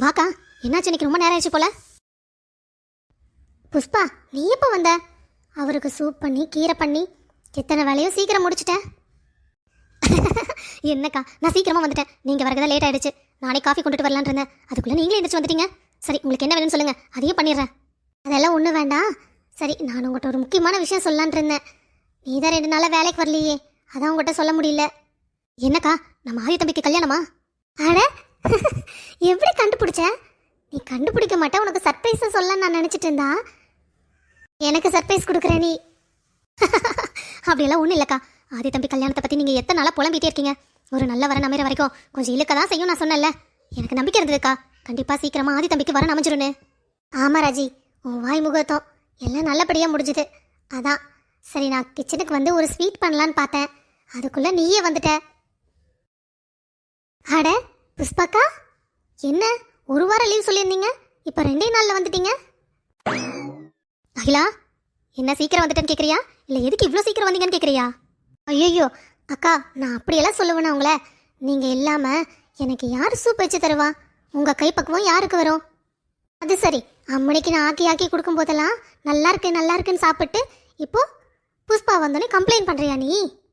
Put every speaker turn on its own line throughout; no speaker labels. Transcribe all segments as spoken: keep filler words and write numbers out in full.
வாக்கா, என்னாச்சு? இன்னைக்கு ரொம்ப நேரம் ஆயிடுச்சு போல. புஷ்பா, நீ எப்போ வந்த? அவருக்கு சூப் பண்ணி கீரை பண்ணி எத்தனை வேலையும் சீக்கிரம் முடிச்சிட்டேன். என்னக்கா, நான் சீக்கிரமா வந்துட்டேன். நீங்க வரதான் லேட் ஆயிடுச்சு. நானே காஃபி கொண்டுட்டு வரலான் இருந்தேன். அதுக்குள்ள நீங்களே எந்திரிச்சு வந்துட்டீங்க. சரி, உங்களுக்கு என்ன வேணும்னு சொல்லுங்க, அதையும் பண்ணிடுறேன். அதெல்லாம் ஒன்றும் வேண்டாம். சரி, நான் உங்கள்கிட்ட ஒரு முக்கியமான விஷயம் சொல்லலான் இருந்தேன். நீ தான் ரெண்டு நாளாக வேலைக்கு வரலையே, அதான் உங்கள்கிட்ட சொல்ல முடியல. என்னக்கா, நம்ம ஆதி தம்பிக்கு கல்யாணமா? அட, எப்படி கண்டுபிடிச்ச? நீ கண்டுபிடிக்க மாட்டேன், உனக்கு சர்ப்ரைஸை சொல்ல நான் நினச்சிட்டு இருந்தா எனக்கு சர்ப்ரைஸ் கொடுக்குற நீ. அப்படியெல்லாம் ஒன்றும் இல்லைக்கா. ஆதி தம்பி கல்யாணத்தை பற்றி நீங்கள் எத்தனை நாளாக புலம்பிகிட்டே இருக்கீங்க. ஒரு நல்ல வர நமையிற வரைக்கும் கொஞ்சம் இழுக்க தான் செய்யும். நான் சொன்னேன்ல, எனக்கு நம்பிக்கை இருந்ததுக்கா. கண்டிப்பாக சீக்கிரமாக ஆதி தம்பிக்கு வர அமைஞ்சிருன்னு. ஆமாம் ராஜி, உன் வாய் முகத்தம் எல்லாம் நல்லபடியாக முடிஞ்சுது. அதான் சரி, நான் கிச்சனுக்கு வந்து ஒரு ஸ்வீட் பண்ணலான்னு பார்த்தேன். அதுக்குள்ளே நீயே வந்துட்ட. அட புஷ்பாக்கா, என்ன ஒரு வாரம் லீவ் சொல்லியிருந்தீங்க, இப்போ ரெண்டே நாளில் வந்துட்டீங்க? அகிலா, என்ன சீக்கிரம் வந்துட்டேன்னு கேட்குறியா, இல்லை எதுக்கு இவ்வளோ சீக்கிரம் வந்தீங்கன்னு கேட்குறியா? ஐயோ அக்கா, நான் அப்படியெல்லாம் சொல்லுவேண்ணா உங்களை. நீங்கள் இல்லாமல் எனக்கு யார் சூப் வச்சு தருவா? உங்கள் கைப்பக்குவம் யாருக்கு வரும்? அது சரி, அம்மனைக்கு நான் ஆக்கி ஆக்கி கொடுக்கும் போதெல்லாம் நல்லா இருக்கு நல்லா இருக்குன்னு சாப்பிட்டு இப்போ புஷ்பா வந்தோடனே கம்ப்ளைண்ட் பண்ணுறியா நீ?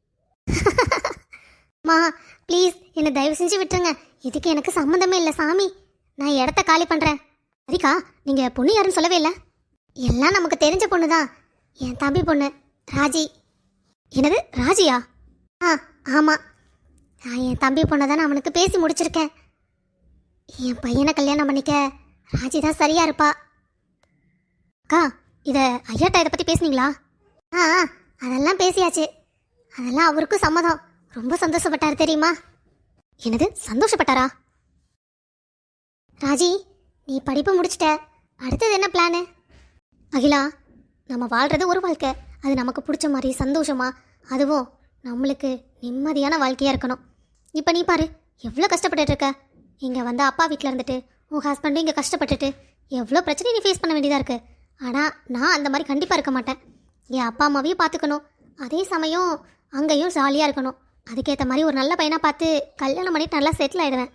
மா ப்ளீஸ், என்னை தயவு செஞ்சு விட்டுருங்க. இதுக்கு எனக்கு சம்மந்தமே இல்லை சாமி. நான் இடத்த காலி பண்ணுறேன். சரிக்கா, நீங்கள் பொண்ணு யாருன்னு சொல்லவே இல்லை. எல்லாம் நமக்கு தெரிஞ்ச பொண்ணு தான், என் தம்பி பொண்ணு ராஜி. என்னது, ராஜியா? ஆ ஆமாம், நான் என் தம்பி பொண்ணை தான் அவனுக்கு பேசி முடிச்சிருக்கேன். என் பையனை கல்யாணம் பண்ணிக்க ராஜி தான் சரியா இருப்பா. அக்கா, இதை ஐயாட்டா இதை பற்றி பேசுனீங்களா? ஆ அதெல்லாம் பேசியாச்சு. அதெல்லாம் அவருக்கும் சம்மதம். ரொம்ப சந்தோஷப்பட்டார் தெரியுமா? என்னது, சந்தோஷப்பட்டாரா? ராஜி, நீ படிப்பு முடிச்சிட்ட, அடுத்தது என்ன பிளானு? அகிலா, நம்ம வாழ்கிறது ஒரு வாழ்க்கை, அது நமக்கு பிடிச்ச மாதிரி சந்தோஷமா, அதுவும் நம்மளுக்கு நிம்மதியான வாழ்க்கையாக இருக்கணும். இப்போ நீ பாரு, எவ்வளோ கஷ்டப்பட்டுட்டு இருக்க. இங்கே வந்து அப்பா வீட்டில் இருந்துட்டு உன் ஹஸ்பண்டும் இங்கே கஷ்டப்பட்டுட்டு எவ்வளோ பிரச்சனை நீ ஃபேஸ் பண்ண வேண்டியதாக இருக்குது. ஆனால் நான் அந்த மாதிரி கண்டிப்பாக இருக்க மாட்டேன். என் அப்பா அம்மாவையும் பார்த்துக்கணும், அதே சமயம் அங்கேயும் ஜாலியாக இருக்கணும். அதுக்கேற்ற மாதிரி ஒரு நல்ல பையனாக பார்த்து கல்யாணம் பண்ணிட்டு நல்லா செட்டில் ஆகிடுவேன்.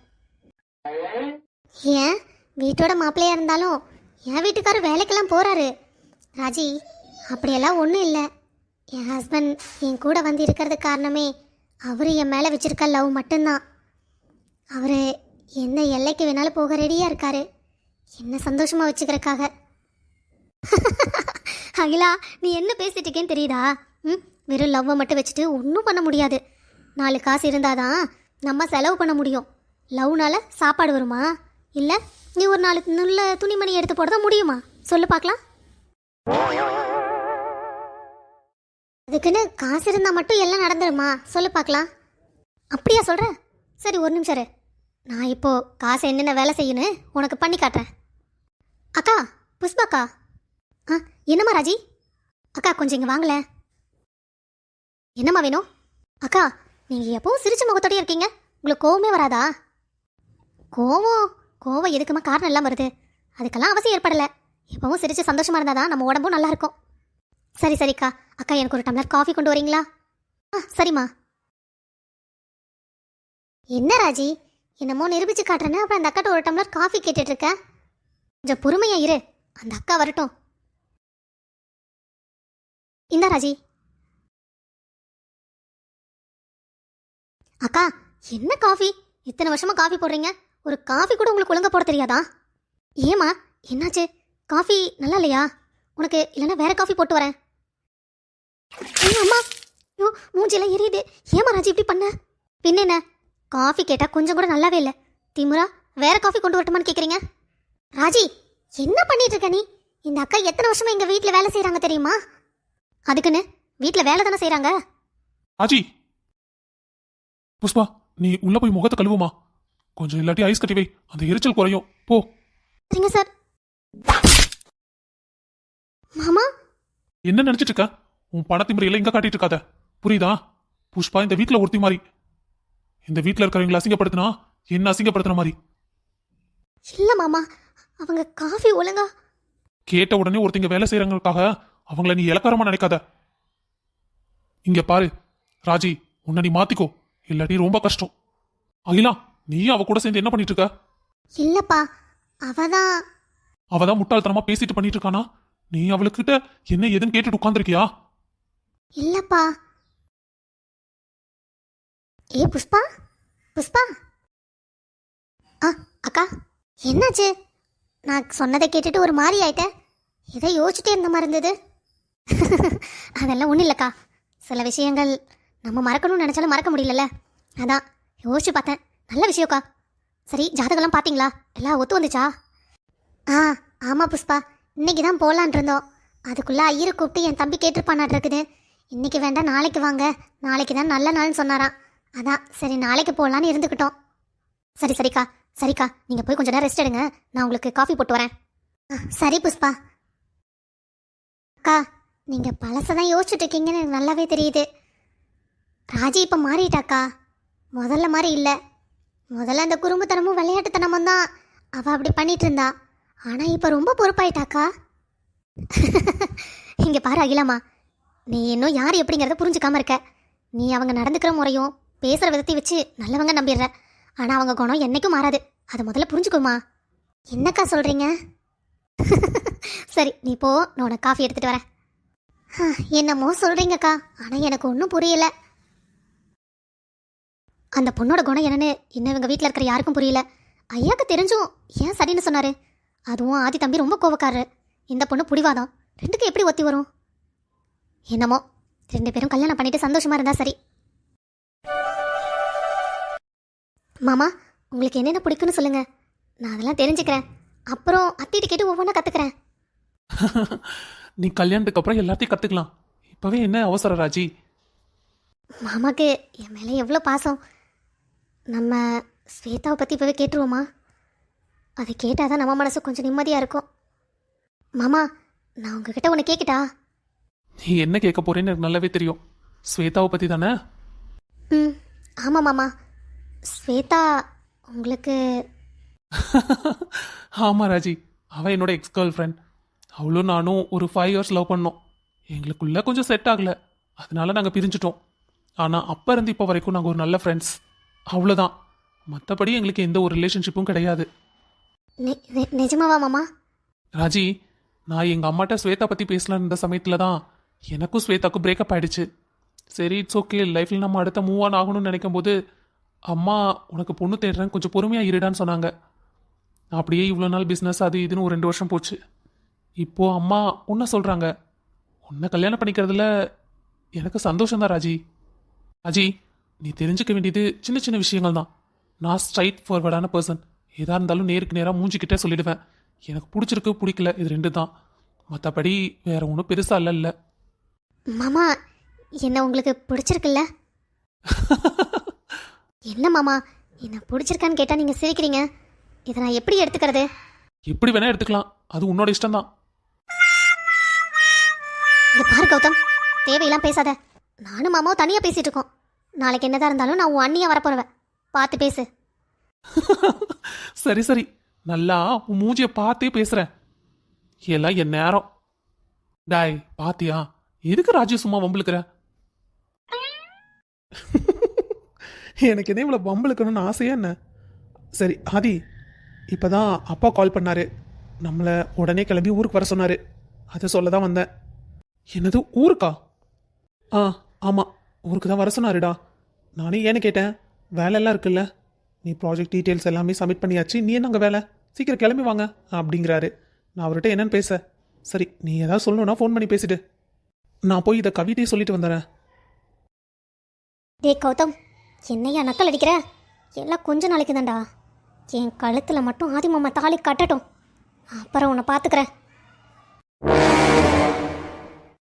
ஏன் வீட்டோட மாப்பிள்ளையாக இருந்தாலும் என் வீட்டுக்காரர் வேலைக்கெல்லாம் போகிறாரு. ராஜி, அப்படியெல்லாம் ஒன்றும் இல்லை. என் ஹஸ்பண்ட் என் கூட வந்து இருக்கிறதுக்கு காரணமே அவர் என் மேலே வச்சுருக்க லவ் மட்டும்தான். அவர் எந்த எல்லைக்கு வேணாலும் போக ரெடியாக இருக்காரு, என்ன சந்தோஷமாக வச்சுக்கிறதுக்காக. அகிலா, நீ என்ன பேசிட்டு இருக்கேன்னு தெரியுதா? ம் வெறும் லவ்வை மட்டும் வச்சுட்டு ஒன்றும் பண்ண முடியாது. நாலு காசு இருந்தாதான் நம்ம செலவு பண்ண முடியும். லவ்னால சாப்பாடு வருமா? இல்லை நீ ஒரு நாலு நல்ல துணிமணி எடுத்து போட தான் முடியுமா? சொல்லு பார்க்கலாம். அதுக்குன்னு காசு இருந்தால் மட்டும் எல்லாம் நடந்துருமா? சொல்லு பார்க்கலாம். அப்படியா சொல்கிற? சரி, ஒரு நிமிஷம் இரு. நான் இப்போது காசு என்னென்ன வேலை செய்யணும் உனக்கு பண்ணி காட்டுறேன். அக்கா, புஷ்பாக்கா. ஆ என்னம்மா ராஜி? அக்கா, கொஞ்சம் இங்கே வாங்கல. என்னம்மா வேணும்? அக்கா, நீங்கள் எப்பவும் சிரிச்ச முகத்தோடய இருக்கீங்க, உங்களுக்கு கோவமே வராதா? கோவம் கோவம் எதுக்குமா காரணம் எல்லாம் வருது, அதுக்கெல்லாம் அவசியம் ஏற்படலை. எப்பவும் சிரிச்சு சந்தோஷமாக இருந்தால் தான் நம்ம உடம்பும் நல்லா இருக்கும். சரி சரிக்கா. அக்கா, எனக்கு ஒரு டம்ளர் காஃபி கொண்டு வரீங்களா? ஆ சரிம்மா. என்ன ராஜி, என்னமோ நிரூபிச்சு காட்டுறேன்னு அப்புறம் அந்த அக்காட்ட ஒரு டம்ளர் காஃபி கேட்டுட்டு இருக்க. கொஞ்சம் பொறுமையா இரு, அந்த அக்கா வரட்டும். இந்த ராஜி. அக்கா, என்ன காஃபி? இத்தனை வருஷமா காஃபி போடுறீங்க, ஒரு காஃபி கூட உங்களுக்கு ஒழுங்கா போட தெரியாதா? ஏமா, என்னாச்சு? காஃபி நல்லா இல்லையா உனக்கு? இல்லைன்னா வேற காஃபி போட்டு வரேன். அம்மா, ஐயோ மூஞ்சியெல்லாம் எரியுது. ஏமா ராஜி இப்படி பண்ண? பின்ன என்ன, காஃபி கேட்டால் கொஞ்சம் கூட நல்லாவே இல்லை. திமுரா வேற காஃபி கொண்டு வரட்டுமான்னு கேட்குறீங்க? ராஜி, என்ன பண்ணிட்டு இருக்க நீ? இந்த அக்கா எத்தனை வருஷமா எங்கள் வீட்டில் வேலை செய்கிறாங்க தெரியுமா? அதுக்குன்னு வீட்டில் வேலை தானே செய்கிறாங்க.
ராஜி, புஷ்பா, நீ உள்ள போய் முகத்தை கழுவுமா, கொஞ்சம் இல்லாட்டி ஐஸ் கட்டி வை, அந்த எரிச்சல் குறையும். போ.
சரிங்க சார். மாமா,
என்ன நினைச்சிட்டு இருக்க? உன் பணத்திமுறையில இங்க காட்டிட்டு இருக்காத, புரியுதா? புஷ்பா இந்த வீட்டுல ஒருத்தி மாதிரி. இந்த வீட்டுல இருக்கிறவங்களை அசிங்கப்படுத்தினா என்ன அசிங்கப்படுத்தின மாதிரி.
இல்ல மாமா, அவங்க காஃபி ஒழுங்கா.
கேட்ட உடனே ஒருத்தங்க வேலை செய்யறவங்களுக்காக அவங்கள நீ இலக்காரமா நினைக்காத. இங்க பாரு ராஜி, உன்னை நீ மாத்திக்கோ, இல்லாட்டி ரொம்ப கஷ்டம். அகிலா, நீ அவ கூட சேர்ந்து என்ன பண்ணிட்டு இருக்க?
இல்லப்பா, அவ தான்.
அவதான் முட்டாள்தனமா பேசிட்டு பண்ணிட்டு இருக்கானா? நீ அவளுக்கிட்ட என்ன ஏதுன்னு கேட்டுட்டு உட்காந்துருக்கியா?
இல்லப்பா. ஏ புஷ்பா, புஷ்பா. ஆ அக்கா, என்னாச்சு? நான் சொன்னதை கேட்டுட்டு ஒரு மாதிரி ஆயிட்டேன். எதை யோசிச்சுட்டே இருந்த மாதிரி இருந்தது. அதெல்லாம் ஒன்றும் இல்லைக்கா. சில விஷயங்கள் நம்ம மறக்கணும்னு நினச்சாலும் மறக்க முடியலல்ல, அதான் யோசிச்சு பார்த்தேன். நல்ல விஷயம்க்கா. சரி, ஜாதகம்லாம் பார்த்தீங்களா? எல்லாம் ஒத்து வந்துச்சா? ஆ ஆமாம் புஷ்பா, இன்னைக்கு தான் போகலான் இருந்தோம். அதுக்குள்ளே ஐயரை கூப்பிட்டு என் தம்பி கேட்டிருப்பானாட்டு இருக்குது. இன்னைக்கு வேண்டாம், நாளைக்கு வாங்க, நாளைக்கு தான் நல்ல நாள்னு சொன்னாராம். அதான் சரி நாளைக்கு போகலான்னு இருந்துக்கிட்டோம். சரி சரிக்கா, சரிக்கா, நீங்கள் போய் கொஞ்ச நேரம் ரெஸ்ட் எடுங்க. நான் உங்களுக்கு காஃபி போட்டு வரேன். ஆ சரி புஷ்பா. அக்கா, நீங்கள் பழசதான் யோசிச்சுட்டு இருக்கீங்கன்னு எனக்கு நல்லாவே தெரியுது. ராஜி இப்போ மாறிட்டாக்கா, முதல்ல மாதிரி இல்லை. முதல்ல அந்த குறும்புத்தனமும் விளையாட்டுத்தனமும் தான் அவள் அப்படி பண்ணிட்டு இருந்தா. ஆனால் இப்போ ரொம்ப பொறுப்பாயிட்டாக்கா. இங்கே பாரு அகிலாமா, நீ இன்னும் யார் எப்படிங்கிறத புரிஞ்சுக்காம இருக்க. நீ அவங்க நடந்துக்கிற முறையும் பேசுகிற விதத்தை வச்சு நல்லவங்க நம்பிடுற. ஆனால் அவங்க குணம் என்னைக்கும் மாறாது. அதை முதல்ல புரிஞ்சுக்கோமா. என்னக்கா சொல்கிறீங்க? சரி நீ போ, நான் உனக்கு காஃபி எடுத்துகிட்டு வரேன். என்னமோ சொல்கிறீங்கக்கா, ஆனால் எனக்கு ஒன்றும் புரியல. அந்த பொண்ணோட குணம் என்னன்னு இன்னும் இவங்க வீட்டில் இருக்கிற யாருக்கும் புரியல. ஐயாக்கு தெரிஞ்சும் ஏன் சரின்னு சொன்னார்? அதுவும் ஆதி தம்பி ரொம்ப கோவக்காரரு, இந்த பொண்ணு புடிவாதம். ரெண்டுக்கும் எப்படி ஒத்தி வரும்? என்னமோ ரெண்டு பேரும் கல்யாணம் பண்ணிட்டு சந்தோஷமா இருந்தா சரி. மாமா, உங்களுக்கு என்னென்ன பிடிக்குன்னு சொல்லுங்க, நான் அதெல்லாம் தெரிஞ்சுக்கிறேன். அப்புறம் அத்திட்டு கேட்டு ஒவ்வொன்றா கற்றுக்கிறேன்.
நீ கல்யாணத்துக்கு அப்புறம் எல்லாத்தையும் கத்துக்கலாம். இப்பவே என்ன அவசரம் ராஜி?
மாமாக்கு என் மேலே எவ்வளோ பாசம். நம்ம ஸ்வேதாவை பற்றி இப்போவே கேட்டுருவோமா? அதை கேட்டால் தான் நம்ம மனசு கொஞ்சம் நிம்மதியாக இருக்கும். மாமா, நான் உங்ககிட்ட ஒன்று கேட்கிட்டா?
நீ என்ன கேட்க போறேன்னு எனக்கு நல்லாவே தெரியும். ஸ்வேதாவை பத்தி தானே?
ம் ஆமாம் மாமா. ஸ்வேதா உங்களுக்கு?
ஆமா ராஜி, அவன் என்னோட எக்ஸ் கேர்ள் ஃப்ரெண்ட். அவளும் நானும் ஒரு ஃபைவ் இயர்ஸ் லவ் பண்ணோம். எங்களுக்குள்ள கொஞ்சம் செட் ஆகல, அதனால நாங்கள் பிரிஞ்சிட்டோம். ஆனால் அப்போ இருந்து இப்போ வரைக்கும் நாங்கள் ஒரு நல்ல ஃப்ரெண்ட்ஸ், அவ்வளோதான். மற்றபடி எங்களுக்கு எந்த ஒரு ரிலேஷன்ஷிப்பும் கிடையாது.
நி- நி- நிஜமாவா மாமா?
ராஜி, நான் எங்கள் அம்மாட்ட ஸ்வேதா பற்றி பேசலான்னு இருந்த சமயத்தில் தான் எனக்கும் ஸ்வேதாக்கும் பிரேக்கப் ஆயிடுச்சு. சரி, இட்ஸ் ஓகே, லைஃப்பில் நம்ம அடுத்த மூவ் ஆன் ஆகணும்னு நினைக்கும் போது அம்மா உனக்கு பொண்ணு தேடுறேன், கொஞ்சம் பொறுமையாக இருடான்னு சொன்னாங்க. அப்படியே இவ்வளோ நாள் பிஸ்னஸ் அது இதுன்னு ஒரு ரெண்டு வருஷம் போச்சு. இப்போது அம்மா உன்னை சொல்கிறாங்க. உன்னை கல்யாணம் பண்ணிக்கிறதுல எனக்கு சந்தோஷம்தான் ராஜி. ராஜி, நீ தெரிஞ்சுக்க வேண்டியது சின்ன சின்ன விஷயங்கள் தான். நான் ஸ்ட்ரைட் ஃபார்வர்டான பர்சன். எதாக இருந்தாலும் நேருக்கு நேராக மூஞ்சிக்கிட்டே சொல்லிடுவேன். எனக்கு பிடிச்சிருக்கு பிடிக்கல, இது ரெண்டு தான். மற்றபடி வேற ஒன்றும் பெருசாக இல்லை இல்லை.
மாமா, என்ன உங்களுக்கு பிடிச்சிருக்குல்ல? என்ன மாமா, என்ன பிடிச்சிருக்கான்னு கேட்டால் நீங்கள் சிரிக்கிறீங்க. இதை நான் எப்படி எடுத்துக்கிறது?
எப்படி வேணா எடுத்துக்கலாம், அது உன்னோட இஷ்டம் தான்.
இங்க பாரு கௌதம், தேவையெல்லாம் பேசாத. நானும் மாமாவும் தனியாக பேசிகிட்டு இருக்கோம். நாளைக்கு என்னதான் இருந்தாலும் நான் உன் அண்ணியாக வரப்போறவன். பார்த்து பேசு.
சரி சரி, நல்லா உன் மூஞ்சியை பார்த்தே பேசுகிறேன். எல்லாம் என் நேரம். டாய் பாத்தியா, எதுக்கு ராஜி சும்மா வம்பளுக்குற? எனக்கு என்ன இவ்வளோ வம்பளுக்கணும்னு ஆசையா என்ன? சரி ஆதி, இப்போதான் அப்பா கால் பண்ணாரு. நம்மளை உடனே கிளம்பி ஊருக்கு வர சொன்னாரு. அதை சொல்ல தான் வந்தேன். என்னது ஊருக்கா? ஆ ஆமாம், ஊருக்கு தான் வர சொன்னாருடா. நானே ஏன்னு கேட்டேன், வேலையெல்லாம் இருக்குல்ல, நீ ப்ராஜெக்ட் டீட்டெயில்ஸ் எல்லாமே சப்மிட் பண்ணியாச்சு, நீ என்ன அங்கே வேலை, சீக்கிரம் கிளம்பி வாங்க அப்படிங்கிறாரு. நான் அவர்கிட்ட என்னன்னு பேச, சரி நீ ஏதாவது சொல்லணும்னா ஃபோன் பண்ணி பேசிட்டு நான் போய் இதை கவிதையை சொல்லிட்டு வந்துடுறேன்.
டே கௌதம், என்னையா நக்கல் அடிக்கிற? எல்லாம் கொஞ்ச நாளைக்கு தான்டா. என் கழுத்தில் மட்டும் ஆதி மாமா தாலி கட்டட்டும், அப்புறம் உன்னை பார்த்துக்கிறேன்.